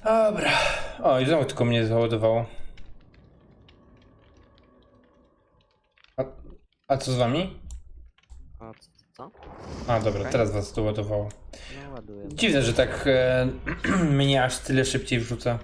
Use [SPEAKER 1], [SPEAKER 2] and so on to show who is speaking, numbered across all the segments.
[SPEAKER 1] Dobra. O, i znowu tylko mnie załadowało. A, a co z wami?
[SPEAKER 2] A co?
[SPEAKER 1] A, dobra,
[SPEAKER 2] Okej.
[SPEAKER 1] teraz was doładowało.
[SPEAKER 2] No ładuję.
[SPEAKER 1] Dziwne, że tak mnie aż tyle szybciej wrzuca.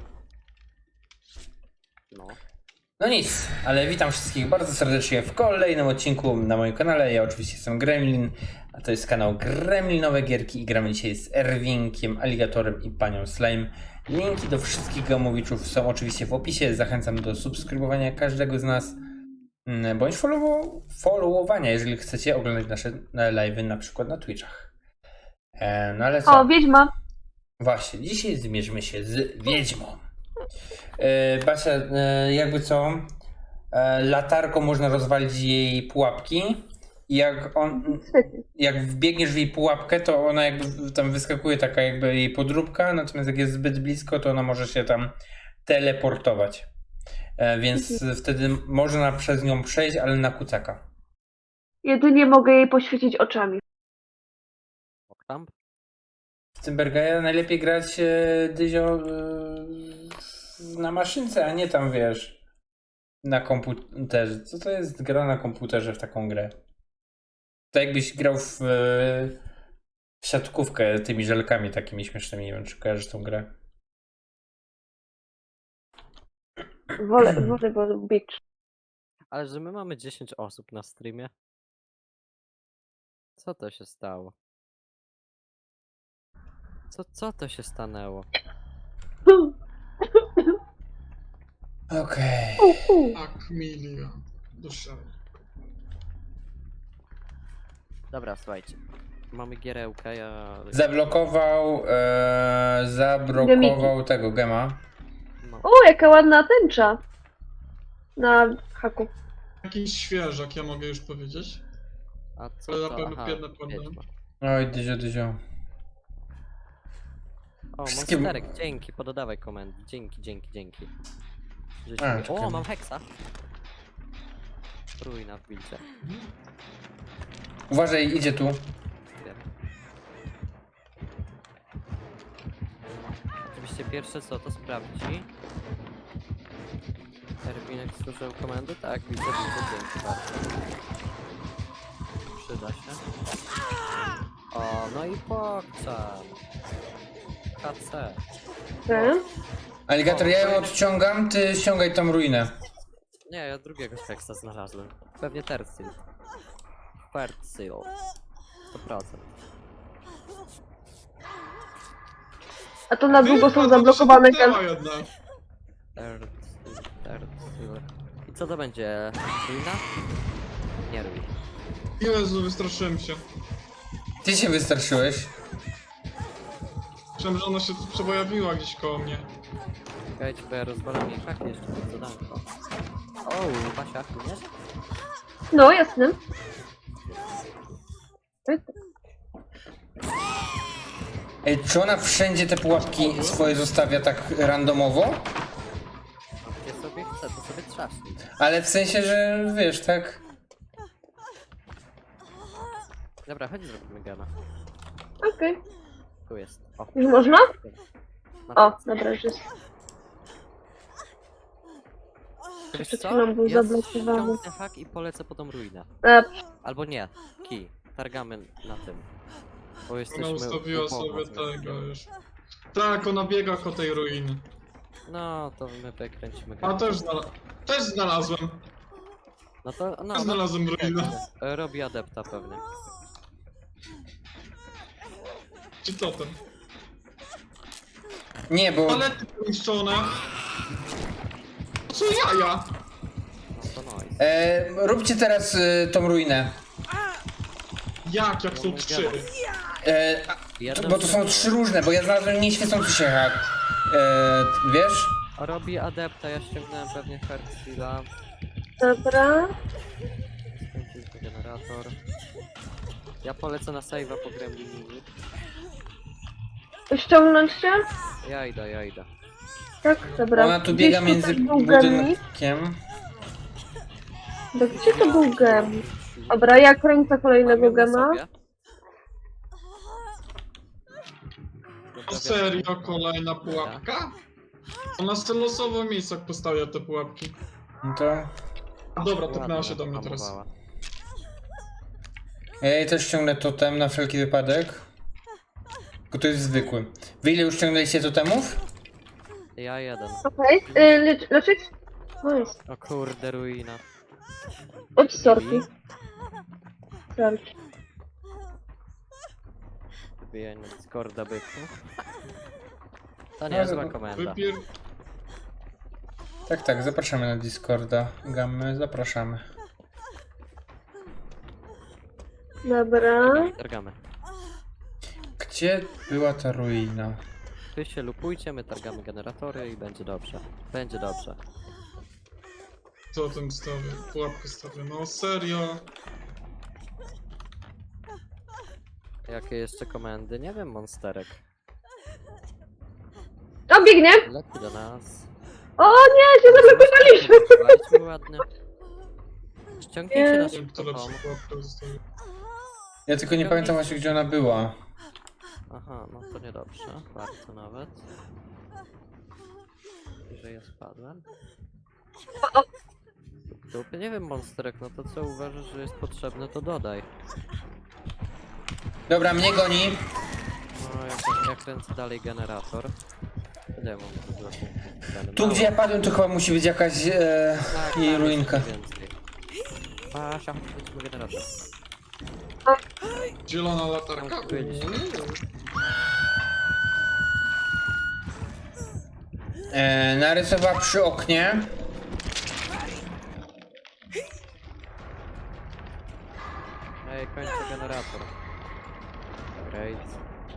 [SPEAKER 2] No.
[SPEAKER 1] No nic, ale witam wszystkich bardzo serdecznie w kolejnym odcinku na moim kanale. Ja oczywiście jestem Gremlin, a to jest kanał Gremlinowe Gierki i gramy dzisiaj z Erwinkiem, Aligatorem i Panią Slime. Linki do wszystkich gamowiczów są oczywiście w opisie. Zachęcam do subskrybowania każdego z nas, bądź followowania, jeżeli chcecie oglądać nasze live'y na przykład na Twitchach. No ale co?
[SPEAKER 3] O, wiedźma.
[SPEAKER 1] Właśnie, dzisiaj zmierzymy się z wiedźmą. Basia, jakby co, latarką można rozwalić jej pułapki i jak wbiegniesz w jej pułapkę, to ona jakby tam wyskakuje taka jakby jej podróbka, natomiast jak jest zbyt blisko, to ona może się tam teleportować. Więc wtedy można przez nią przejść, ale na kucaka.
[SPEAKER 3] Jedynie mogę jej poświecić oczami.
[SPEAKER 2] Tam?
[SPEAKER 1] W Cymbergaja najlepiej grać Dyzio na maszynce, a nie tam wiesz na komputerze. Co to jest gra na komputerze w taką grę? To jakbyś grał w siatkówkę tymi żelkami takimi śmiesznymi. Nie wiem, czy kojarzysz tą grę.
[SPEAKER 3] Wolę Beach.
[SPEAKER 2] Ale że my mamy 10 osób na streamie. Co to się stało? Co to się stanęło?
[SPEAKER 1] Okej.
[SPEAKER 4] Tak, milion. Dusza.
[SPEAKER 2] Dobra, słuchajcie. Mamy gierełkę, ja...
[SPEAKER 1] Zablokował tego gema.
[SPEAKER 2] No.
[SPEAKER 3] O, jaka ładna tęcza. Na haku.
[SPEAKER 4] Jakiś świeżak, ja mogę już powiedzieć.
[SPEAKER 2] A co
[SPEAKER 4] Ale na
[SPEAKER 2] to?
[SPEAKER 4] pewno
[SPEAKER 2] Aha,
[SPEAKER 4] piernę podam.
[SPEAKER 2] wiedźma.
[SPEAKER 1] Oj, Dyzio.
[SPEAKER 2] O,
[SPEAKER 1] Wszystkie-
[SPEAKER 2] monsterek, dzięki, pododawaj komendy. Dzięki. Żeś
[SPEAKER 1] A,
[SPEAKER 2] mi-
[SPEAKER 1] czekaj.
[SPEAKER 2] O, mam heksa. Ruina w bilcie.
[SPEAKER 1] Uważaj, idzie tu.
[SPEAKER 2] Wiem. Oczywiście pierwsze co to sprawdzi. Erwinek słyszał komendy? Tak, widzę, dzięki bardzo. Przyda się. O, no i pokczam. KC.
[SPEAKER 3] Ty?
[SPEAKER 1] Aligator, ja ją odciągam, ty ściągaj tam ruinę.
[SPEAKER 2] Nie, ja drugiego heksa znalazłem. Pewnie Tercil. Tercil. 100%.
[SPEAKER 3] A to na długo są
[SPEAKER 4] to się
[SPEAKER 3] zablokowane
[SPEAKER 4] zamknęła jedna.
[SPEAKER 2] Tercil. I co to będzie? Ruina? Nie ruina.
[SPEAKER 4] Jezu, wystraszyłem się.
[SPEAKER 1] Ty się wystraszyłeś.
[SPEAKER 4] Myślałem, że ona się tu przepojawiła gdzieś koło mnie.
[SPEAKER 2] Czekajcie, bo ja rozwalam jej hak jeszcze przed zadanko. O, Basia, tu nie?
[SPEAKER 3] No, jasne.
[SPEAKER 1] Ej, czy ona wszędzie te pułapki swoje zostawia tak randomowo?
[SPEAKER 2] Gdzie sobie chce, to sobie trzaśnij.
[SPEAKER 1] Ale w sensie, że wiesz, tak?
[SPEAKER 2] Dobra, chodź zrobimy gana.
[SPEAKER 3] Okej.
[SPEAKER 2] Tu jest. O,
[SPEAKER 3] Już można?
[SPEAKER 2] na
[SPEAKER 3] O,
[SPEAKER 2] tacy.
[SPEAKER 3] dobra, już jest.
[SPEAKER 2] Wiesz
[SPEAKER 3] przed
[SPEAKER 2] co?
[SPEAKER 3] chwilą był
[SPEAKER 2] Ja
[SPEAKER 3] zablokowany.
[SPEAKER 2] ściągnę hak i polecę po tą ruinę. Albo nie, kij. Targamy na tym. Bo jesteśmy
[SPEAKER 4] Ona ustawiła
[SPEAKER 2] u Boga
[SPEAKER 4] sobie
[SPEAKER 2] z
[SPEAKER 4] tego
[SPEAKER 2] Meskiem.
[SPEAKER 4] już. Tak, ona biega ko tej ruiny.
[SPEAKER 2] No, to my wykręcimy
[SPEAKER 4] A
[SPEAKER 2] gana.
[SPEAKER 4] też znalazłem.
[SPEAKER 2] No to, no,
[SPEAKER 4] Też znalazłem ruinę.
[SPEAKER 2] robi adepta pewnie.
[SPEAKER 4] Czy to ten?
[SPEAKER 1] Nie, bo
[SPEAKER 4] Palety poniszczone. Co jaja?
[SPEAKER 2] No to nice.
[SPEAKER 1] róbcie teraz tą ruinę.
[SPEAKER 4] Jak są trzy?
[SPEAKER 2] Jedna
[SPEAKER 1] Bo to są trzy różne, bo ja znalazłem nieświecący się hak. Wiesz?
[SPEAKER 2] Robi adepta, ja ściągnąłem pewnie Hertzila.
[SPEAKER 3] Dobra.
[SPEAKER 2] Skończyliśmy generator. Ja polecę na save'a po Gremlini.
[SPEAKER 3] Ściągnąć się?
[SPEAKER 2] Ja idę.
[SPEAKER 3] Tak, dobra.
[SPEAKER 1] Ona tu
[SPEAKER 3] Gdzieś
[SPEAKER 1] biega
[SPEAKER 3] tutaj
[SPEAKER 1] między
[SPEAKER 3] był gemik.
[SPEAKER 1] budynkiem.
[SPEAKER 3] Gdzie to był gem? Dobra, ja kręcę kolejnego
[SPEAKER 2] Mam ją na
[SPEAKER 3] gema.
[SPEAKER 2] sobie. Dobra,
[SPEAKER 4] O serio, kolejna pułapka? Ona z losowo w miejscach postawia te pułapki.
[SPEAKER 1] No to...
[SPEAKER 4] A dobra, tepnęła
[SPEAKER 2] Ładnie
[SPEAKER 4] się do mnie teraz.
[SPEAKER 2] hamowała.
[SPEAKER 1] Ja jej też ściągnę totem na wszelki wypadek. Tylko to jest zwykły. Wy ile już ściągnęliście totemów?
[SPEAKER 2] Ja jeden.
[SPEAKER 3] Okej. Leczyć? Nice.
[SPEAKER 2] O kurde, ruina.
[SPEAKER 3] Od sorki. Sorki.
[SPEAKER 2] Wbijanie Discorda byku. To
[SPEAKER 1] No,
[SPEAKER 2] nie zła
[SPEAKER 1] to-
[SPEAKER 2] komenda.
[SPEAKER 4] Wypier...
[SPEAKER 1] Tak, tak, zapraszamy na Discorda. Gammy, zapraszamy.
[SPEAKER 3] Dobra.
[SPEAKER 2] Targamy.
[SPEAKER 1] Gdzie była ta ruina?
[SPEAKER 2] Wy się lupujcie, my targamy generatory i będzie dobrze. Będzie dobrze.
[SPEAKER 4] Totem stawię, pułapkę stawię. No serio.
[SPEAKER 2] Jakie jeszcze komendy? Nie wiem, monsterek.
[SPEAKER 3] O, biegnie!
[SPEAKER 2] Leci do nas.
[SPEAKER 3] O nie, się zablokowaliśmy!
[SPEAKER 2] Wejdźmy ładnie. Ściągnijcie
[SPEAKER 3] Nie.
[SPEAKER 2] nas
[SPEAKER 4] Nie wiem, kto lepszą
[SPEAKER 2] szybko.
[SPEAKER 4] pułapkę zostawił.
[SPEAKER 1] Ja tylko nie pamiętam właśnie gdzie ona była.
[SPEAKER 2] Aha, no to niedobrze. Bardzo nawet. Że ja spadłem. Dupy, nie wiem, monsterek, no to co uważasz, że jest potrzebne, to dodaj.
[SPEAKER 1] Dobra, mnie goni.
[SPEAKER 2] No, ja kręcę dalej generator. Ile ja mam tu bloku?
[SPEAKER 1] Tu gdzie ja padłem to chyba musi być jakaś jej ruinka.
[SPEAKER 2] Więcej. Pasia, chodź, chodźmy generator.
[SPEAKER 4] Zielona latarka.
[SPEAKER 2] Musi być.
[SPEAKER 1] Narysowała przy oknie.
[SPEAKER 2] Ej, kończę generator. Great.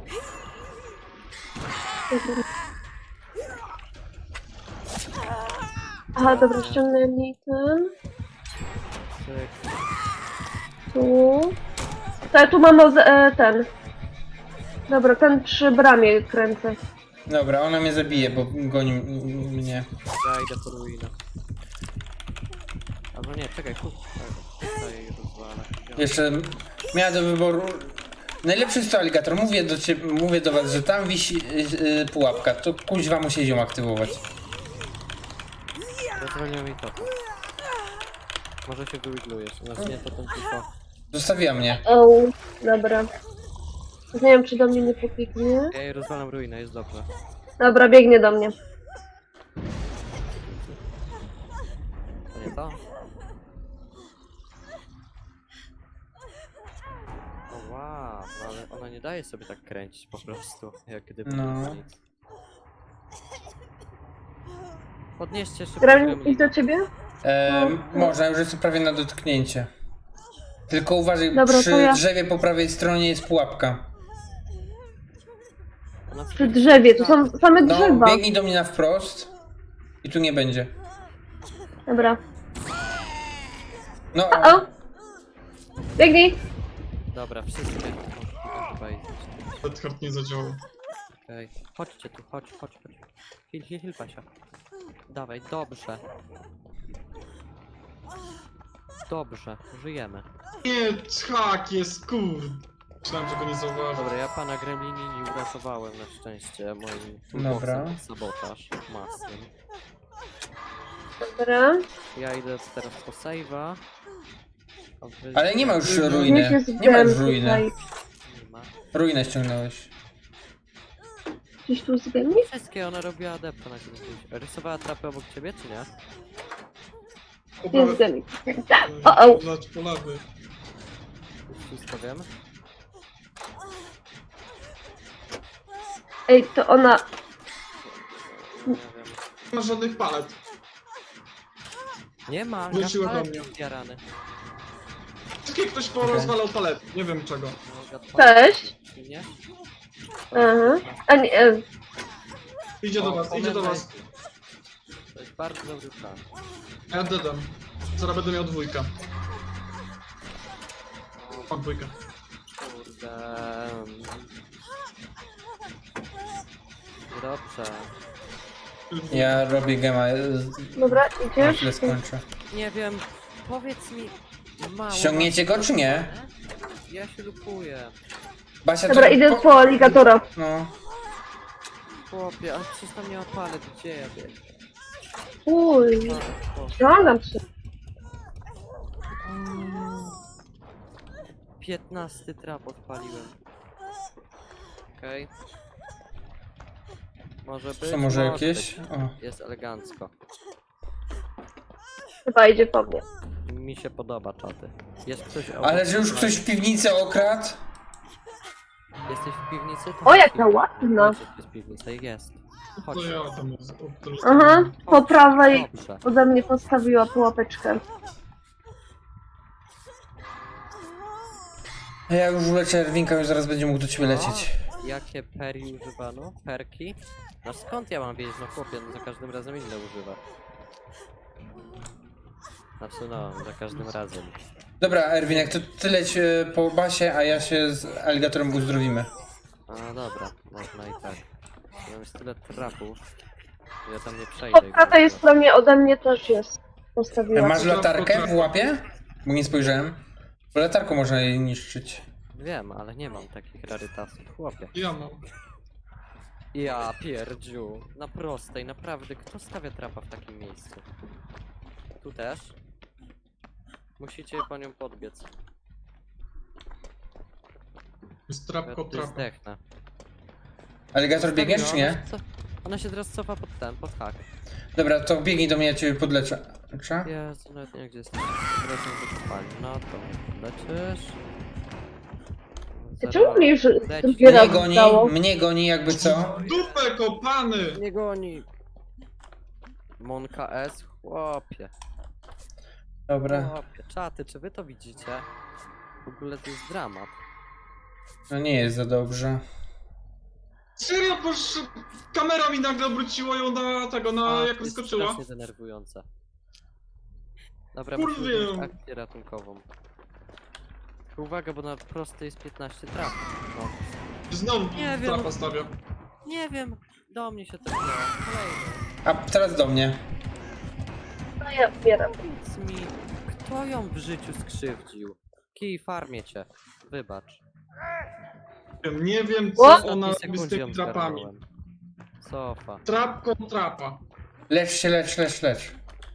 [SPEAKER 3] Aha, dobra, ściągnęli ten.
[SPEAKER 2] Cyk.
[SPEAKER 3] Tu. Tak, tu mamy ten. Dobra, ten przy bramie kręcę.
[SPEAKER 1] Dobra, ona mnie zabije, bo goni mnie.
[SPEAKER 2] Ja idę po ruinę. Albo nie, czekaj, tutaj rozwalę.
[SPEAKER 1] Jeszcze miała do wyboru. Najlepszy jest to aligator. Mówię do was, że tam wisi pułapka. To kuźwa musi ją aktywować.
[SPEAKER 2] Rozwaliłem mi to. Może się wyiglujesz, znaczy nie to ten tylko.
[SPEAKER 1] Zostawiła mnie.
[SPEAKER 3] O, dobra. Nie wiem, czy do mnie nie popiknie.
[SPEAKER 2] Ja jej rozwalam ruinę, jest dobrze.
[SPEAKER 3] Dobra, biegnie do mnie.
[SPEAKER 2] To nie to? O wow, no ale ona nie daje sobie tak kręcić po prostu, jak gdyby
[SPEAKER 1] No.
[SPEAKER 2] nie było nic. Podnieście szybko
[SPEAKER 3] Gremlin, idź
[SPEAKER 2] gremlina.
[SPEAKER 3] do ciebie?
[SPEAKER 1] Można, już jestem prawie na dotknięcie. Tylko uważaj,
[SPEAKER 3] Dobra, to
[SPEAKER 1] przy
[SPEAKER 3] ja-
[SPEAKER 1] drzewie po prawej stronie jest pułapka.
[SPEAKER 2] Ona
[SPEAKER 3] Przy drzewie, tu są same
[SPEAKER 1] No,
[SPEAKER 3] drzewa.
[SPEAKER 1] biegnij do mnie na wprost. I tu nie będzie.
[SPEAKER 3] Dobra.
[SPEAKER 1] No,
[SPEAKER 3] O! Biegnij!
[SPEAKER 2] Dobra, wszystkie możliwe chyba iść.
[SPEAKER 4] Redheart nie zadziałał.
[SPEAKER 2] Okej. Chodźcie tu, chodź. Hil, Pasia. Dawaj, dobrze. Dobrze, żyjemy.
[SPEAKER 4] Nie, hak jest, kurde. Myślałem, że go nie zauważył.
[SPEAKER 2] Dobra, ja pana Gremlini nie uratowałem na szczęście moim
[SPEAKER 1] Dobra.
[SPEAKER 2] toolboxem sabotaż masnym.
[SPEAKER 3] Dobra.
[SPEAKER 2] Ja idę teraz po save'a. A wy-
[SPEAKER 1] ale nie ma już
[SPEAKER 3] Niech
[SPEAKER 1] ruiny.
[SPEAKER 3] jest
[SPEAKER 1] Nie ma już
[SPEAKER 3] gem
[SPEAKER 1] ruiny.
[SPEAKER 3] tutaj.
[SPEAKER 2] Nie ma.
[SPEAKER 1] Ruinę ściągnąłeś.
[SPEAKER 3] Gdzieś tu zgadnij?
[SPEAKER 2] Wszystkie ona robiła adepta na gdzieś. Rysowała trapy obok ciebie, czy nie?
[SPEAKER 3] Jest zgadnij. O!
[SPEAKER 4] Zobacz po lewy.
[SPEAKER 2] Już wszystko wiem.
[SPEAKER 3] Ej, to ona...
[SPEAKER 2] Nie wiem.
[SPEAKER 4] Nie ma żadnych palet.
[SPEAKER 2] Nie ma,
[SPEAKER 4] Wróciła do
[SPEAKER 2] gadpalet
[SPEAKER 4] mnie.
[SPEAKER 2] zjarany.
[SPEAKER 4] Wszystkie ktoś porozwalał palety. Nie wiem czego.
[SPEAKER 2] No, gadpalet.
[SPEAKER 3] Cześć.
[SPEAKER 2] Nie?
[SPEAKER 3] Aha. A nie,
[SPEAKER 4] Idzie do was, idzie do was.
[SPEAKER 2] To jest bardzo dobry plan.
[SPEAKER 4] Ja dedam. Zaraz będę miał dwójkę. Mam dwójkę.
[SPEAKER 2] Kurde. Dobrze.
[SPEAKER 1] Ja robię gema.
[SPEAKER 3] dobra,
[SPEAKER 1] Na
[SPEAKER 3] idziesz?
[SPEAKER 1] chwilę skończę.
[SPEAKER 2] Nie wiem, powiedz mi. Mało
[SPEAKER 1] Ściągniecie go, czy nie?
[SPEAKER 2] Ja się lupuję.
[SPEAKER 1] Basia,
[SPEAKER 3] Dobra,
[SPEAKER 1] to-
[SPEAKER 3] idę po aligatora.
[SPEAKER 1] No.
[SPEAKER 2] chłopie, ale przecież tam nie ma palet, gdzie ja biegnę?
[SPEAKER 3] Uj,
[SPEAKER 2] O,
[SPEAKER 3] ściągam się.
[SPEAKER 2] 15 trap odpaliłem. Okej. Może być?
[SPEAKER 1] Co, może jakieś?
[SPEAKER 2] być.
[SPEAKER 1] O.
[SPEAKER 2] Jest elegancko.
[SPEAKER 3] Chyba idzie po mnie.
[SPEAKER 2] Mi się podoba czaty. Jest ktoś obok?
[SPEAKER 1] Ale że już ktoś w piwnicy okradł?
[SPEAKER 2] Jesteś w piwnicy? To
[SPEAKER 3] O,
[SPEAKER 2] chodź
[SPEAKER 3] jaka
[SPEAKER 2] piwnica.
[SPEAKER 3] ładna.
[SPEAKER 2] Chodź, jest piwnica. Jest. Chodź.
[SPEAKER 4] To ja tam od
[SPEAKER 3] Aha, po prawej
[SPEAKER 2] Dobrze.
[SPEAKER 3] ode mnie postawiła pułapeczkę.
[SPEAKER 1] A ja już lecę Erwinka, już zaraz będzie mógł do ciebie lecieć.
[SPEAKER 2] A, jakie peri używano? Perki? No skąd ja mam wiedzieć? No chłopie, no za każdym razem inne używa. Znaczy no, za każdym razem.
[SPEAKER 1] Dobra, Erwinek, to ty leć po basie, a ja się z aligatorem uzdrowimy.
[SPEAKER 2] A dobra, można i tak. Mam już tyle trapów, że ja tam nie
[SPEAKER 3] Po
[SPEAKER 2] przejdę.
[SPEAKER 3] prawej stronie ode mnie też jest. Postawiła.
[SPEAKER 1] Masz latarkę w łapie? Bo nie spojrzałem. Bo latarką można jej niszczyć.
[SPEAKER 2] Wiem, ale nie mam takich rarytasów, chłopie.
[SPEAKER 4] Ja mam.
[SPEAKER 2] Ja pierdziu. Na prostej, naprawdę. Kto stawia trapa w takim miejscu? Tu też? Musicie po nią podbiec.
[SPEAKER 4] Jest
[SPEAKER 2] Ja
[SPEAKER 4] trapko,
[SPEAKER 2] tu
[SPEAKER 4] trapa.
[SPEAKER 2] zdechnę.
[SPEAKER 1] Aligator biegniesz czy nie?
[SPEAKER 2] Ona się teraz cofa pod ten, pod hak.
[SPEAKER 1] Dobra, to biegnij do mnie, ja ciebie podleczę. Lecza?
[SPEAKER 2] Jezu, nawet nie wiem gdzie jesteś. Wracam do kopalni. No to mnie podleczysz.
[SPEAKER 3] Ty czemu mnie już
[SPEAKER 2] Leci.
[SPEAKER 3] drugi raz
[SPEAKER 1] Mnie
[SPEAKER 3] stało?
[SPEAKER 1] goni, mnie goni jakby co?
[SPEAKER 4] Dupę kopany!
[SPEAKER 2] Nie goni! Monka S, chłopie.
[SPEAKER 1] Dobra.
[SPEAKER 2] Chłopie, czaty, czy wy to widzicie? W ogóle to jest dramat.
[SPEAKER 1] No nie jest za dobrze.
[SPEAKER 4] Serio, bo kamera mi nagle obróciła ją na tego, na
[SPEAKER 2] A,
[SPEAKER 4] jak
[SPEAKER 2] to jest
[SPEAKER 4] wyskoczyła.
[SPEAKER 2] strasznie denerwujące. Dobra,
[SPEAKER 4] Kurwię.
[SPEAKER 2] musimy zrobić akcję ratunkową. Tylko uwaga, bo na prostej jest 15 traf. No.
[SPEAKER 4] Znowu
[SPEAKER 2] Nie wiem.
[SPEAKER 4] trapa stawia.
[SPEAKER 2] Nie wiem, do mnie się to wzięło. Kolejny.
[SPEAKER 1] A teraz do mnie.
[SPEAKER 3] No ja umieram.
[SPEAKER 2] Powiedz mi, kto ją w życiu skrzywdził? Kij, farmię cię. Wybacz.
[SPEAKER 4] Nie wiem
[SPEAKER 3] O!
[SPEAKER 4] co
[SPEAKER 2] W
[SPEAKER 4] ona
[SPEAKER 2] ostatniej
[SPEAKER 4] robi z
[SPEAKER 2] sekundzie
[SPEAKER 4] tymi
[SPEAKER 2] ją
[SPEAKER 4] trapami.
[SPEAKER 2] zgarnąłem. Sofa.
[SPEAKER 4] Trapko, trapa.
[SPEAKER 1] Lecz się, lecz.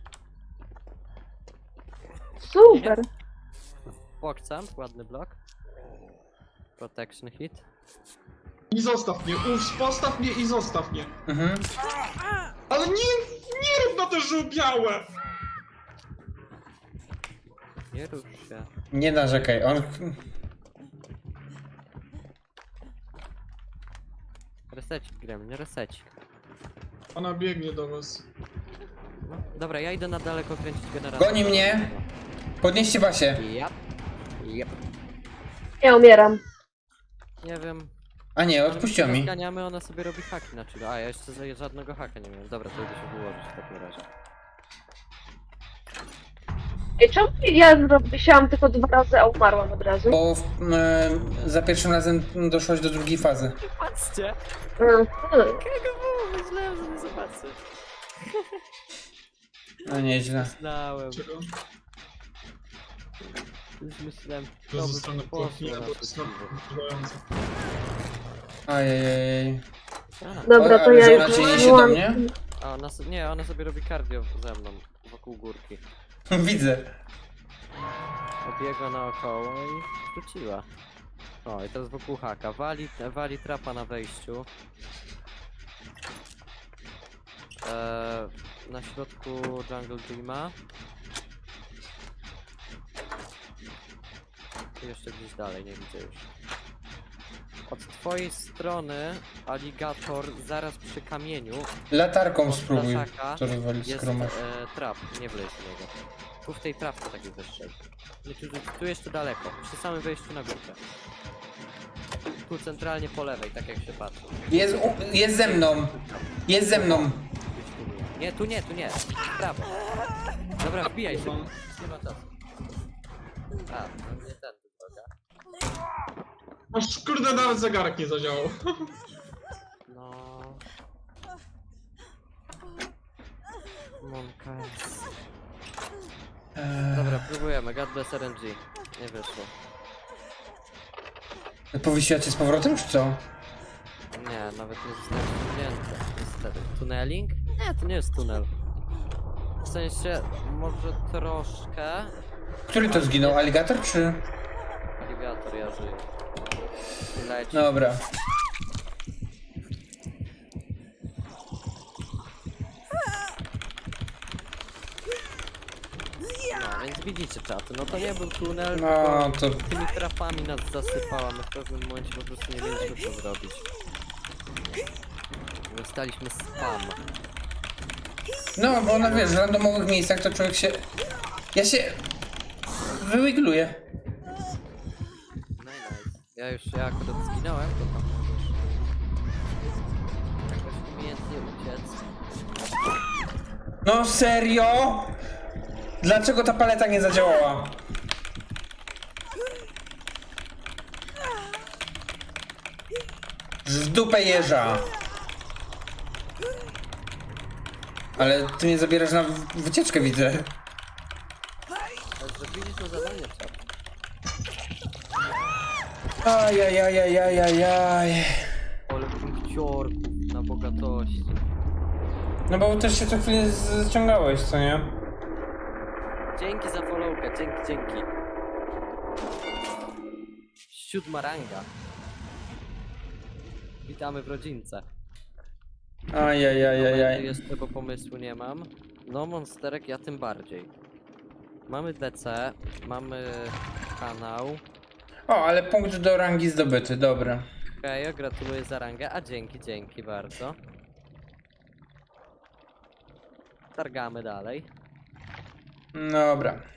[SPEAKER 3] Super.
[SPEAKER 2] Pokcamp, ładny blok. Protection hit.
[SPEAKER 4] I zostaw mnie, postaw mnie i zostaw mnie.
[SPEAKER 1] Mhm.
[SPEAKER 4] Ale nie rób na te żółbiałe!
[SPEAKER 2] Nie rusz się.
[SPEAKER 1] Nie narzekaj, on...
[SPEAKER 2] Resecik, Gremlin, resecik.
[SPEAKER 4] Ona biegnie do was.
[SPEAKER 2] No, dobra, ja idę na daleko kręcić generator.
[SPEAKER 1] Goni mnie. Podnieście basie.
[SPEAKER 2] Yep. Yep.
[SPEAKER 3] Ja umieram.
[SPEAKER 2] Nie wiem.
[SPEAKER 1] A nie, odpuściła mi.
[SPEAKER 2] Zganiamy, ona sobie robi haki na czyle. A ja jeszcze żadnego haka nie miałem. Dobra, to idę się wyłożyć w takim razie.
[SPEAKER 3] Ej, czemu ja wisiałam tylko 2 razy, a umarłam od razu?
[SPEAKER 1] Bo za pierwszym razem doszłaś do drugiej fazy.
[SPEAKER 2] Patrzcie!
[SPEAKER 3] Mhm.
[SPEAKER 2] Jakiego było? Myślałem, że nie zobaczę.
[SPEAKER 1] No nieźle.
[SPEAKER 2] Znałem.
[SPEAKER 4] Czego?
[SPEAKER 2] Już myślałem,
[SPEAKER 4] To
[SPEAKER 2] to
[SPEAKER 4] zostanę
[SPEAKER 2] by
[SPEAKER 4] płatnie,
[SPEAKER 2] poszło
[SPEAKER 4] bo
[SPEAKER 2] na
[SPEAKER 4] to jest
[SPEAKER 2] to
[SPEAKER 4] wkurzające.
[SPEAKER 1] Ajajaj.
[SPEAKER 3] Dobra, to
[SPEAKER 1] Ale
[SPEAKER 3] ja
[SPEAKER 1] że ona
[SPEAKER 3] już
[SPEAKER 1] cię niesie do
[SPEAKER 3] wyłączam.
[SPEAKER 1] mnie?
[SPEAKER 2] A ona nie, ona sobie robi cardio ze mną, wokół górki.
[SPEAKER 1] Widzę.
[SPEAKER 2] Obiegła naokoło i wróciła. O, i teraz wokół haka. Wali trapa na wejściu. Na środku Jungle Dreama. I jeszcze gdzieś dalej, nie widzę już. Od twojej strony aligator zaraz przy kamieniu
[SPEAKER 1] Latarką spróbuj.
[SPEAKER 2] Ptaszaka
[SPEAKER 1] To rozwalić
[SPEAKER 2] jest
[SPEAKER 1] skromasz.
[SPEAKER 2] trap, nie wleć w niego. Tu w tej trawce takiej wyższej. Nie, tu jeszcze daleko, przy samym wejściu na górkę. Tu centralnie po lewej, tak jak się patrzy.
[SPEAKER 1] Jest ze mną. Jest ze mną.
[SPEAKER 2] Nie, tu nie, tu nie. W prawo. Dobra, wbijaj się. Nie ma czasu. A, no nie tędy droga.
[SPEAKER 4] Aż kurde nawet zegarek nie zadziałał.
[SPEAKER 2] No. Monka jest. Dobra, próbujemy. God bless RNG. Nie wyszło.
[SPEAKER 1] Powiesiła cię z powrotem, czy co?
[SPEAKER 2] Nie, nawet nie zostałem ściągnięty. Niestety. Tuneling? Nie, to nie jest tunel. W sensie, może troszkę.
[SPEAKER 1] Który to zginął? Aligator czy...
[SPEAKER 2] Aligator, ja żyję. Leci.
[SPEAKER 1] Dobra.
[SPEAKER 2] No, więc widzicie czaty, no to nie był tunel,
[SPEAKER 1] No
[SPEAKER 2] tylko
[SPEAKER 1] to...
[SPEAKER 2] tymi trapami nas zasypała, my w pewnym momencie po prostu nie wiedzieliśmy co zrobić. Dostaliśmy spam.
[SPEAKER 1] No, bo na wiesz, w randomowych miejscach to człowiek się... Ja się... Wywigluję.
[SPEAKER 2] No i nice. Ja akurat zginąłem, to tam możesz jakoś umiejętnie uciec.
[SPEAKER 1] No serio? Dlaczego ta paleta nie zadziałała? W dupę jeża. Ale ty mnie zabierasz na wycieczkę, widzę.
[SPEAKER 2] Ale zrobiliśmy zadanie czat.
[SPEAKER 1] Ajajajajajajaj.
[SPEAKER 2] Ale punkciorków na bogatości.
[SPEAKER 1] No bo też się co chwilę ściągałeś, co nie?
[SPEAKER 2] Dzięki za followkę, dzięki. 7 ranga. Witamy w rodzince.
[SPEAKER 1] Ajajajajaj.
[SPEAKER 2] Jeszcze tego pomysłu nie mam. No monsterek ja tym bardziej. Mamy DC, mamy kanał.
[SPEAKER 1] O, ale punkt do rangi zdobyty, dobra.
[SPEAKER 2] Okej, gratuluję za rangę, a dzięki bardzo. Targamy dalej.
[SPEAKER 1] Dobra.